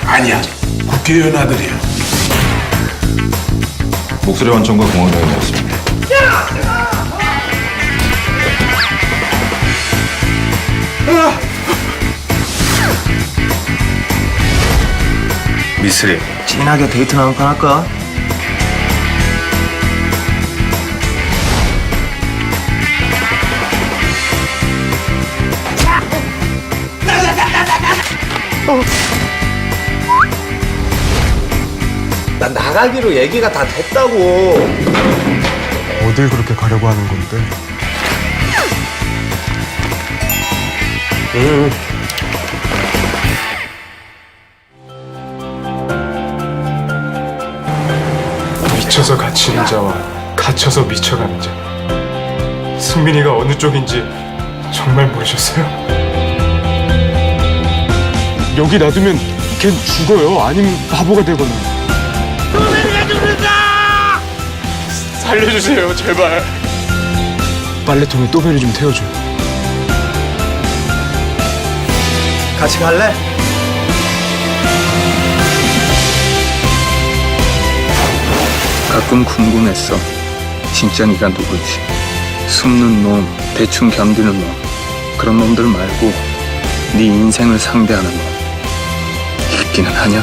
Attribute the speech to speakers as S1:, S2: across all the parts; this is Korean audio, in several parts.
S1: 아니야, 국회의원 아들이야.
S2: 목소리 원천과 공황장애였습니다.
S3: 미스리,
S4: 진하게 데이트나 한판 할까?
S5: 난 나가기로 얘기가 다 됐다고.
S6: 어딜 그렇게 가려고 하는 건데? 미쳐서 갇히는 자와 갇혀서 미쳐가는 자. 승민이가 어느 쪽인지 정말 모르셨어요? 여기 놔두면 걘 죽어요. 아니면 바보가 되거나. 살려주세요, 제발. 빨래통에 또배를 좀 태워줘요.
S4: 같이 갈래?
S3: 가끔 궁금했어. 진짜 네가 누구지? 숨는 놈, 대충 견디는 놈, 그런 놈들 말고 네 인생을 상대하는 놈 있기는 하냐?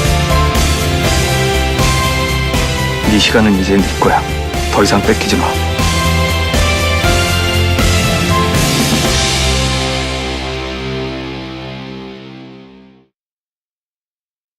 S3: 네 시간은 이제 네 거야. 더 이상 뺏기지 마.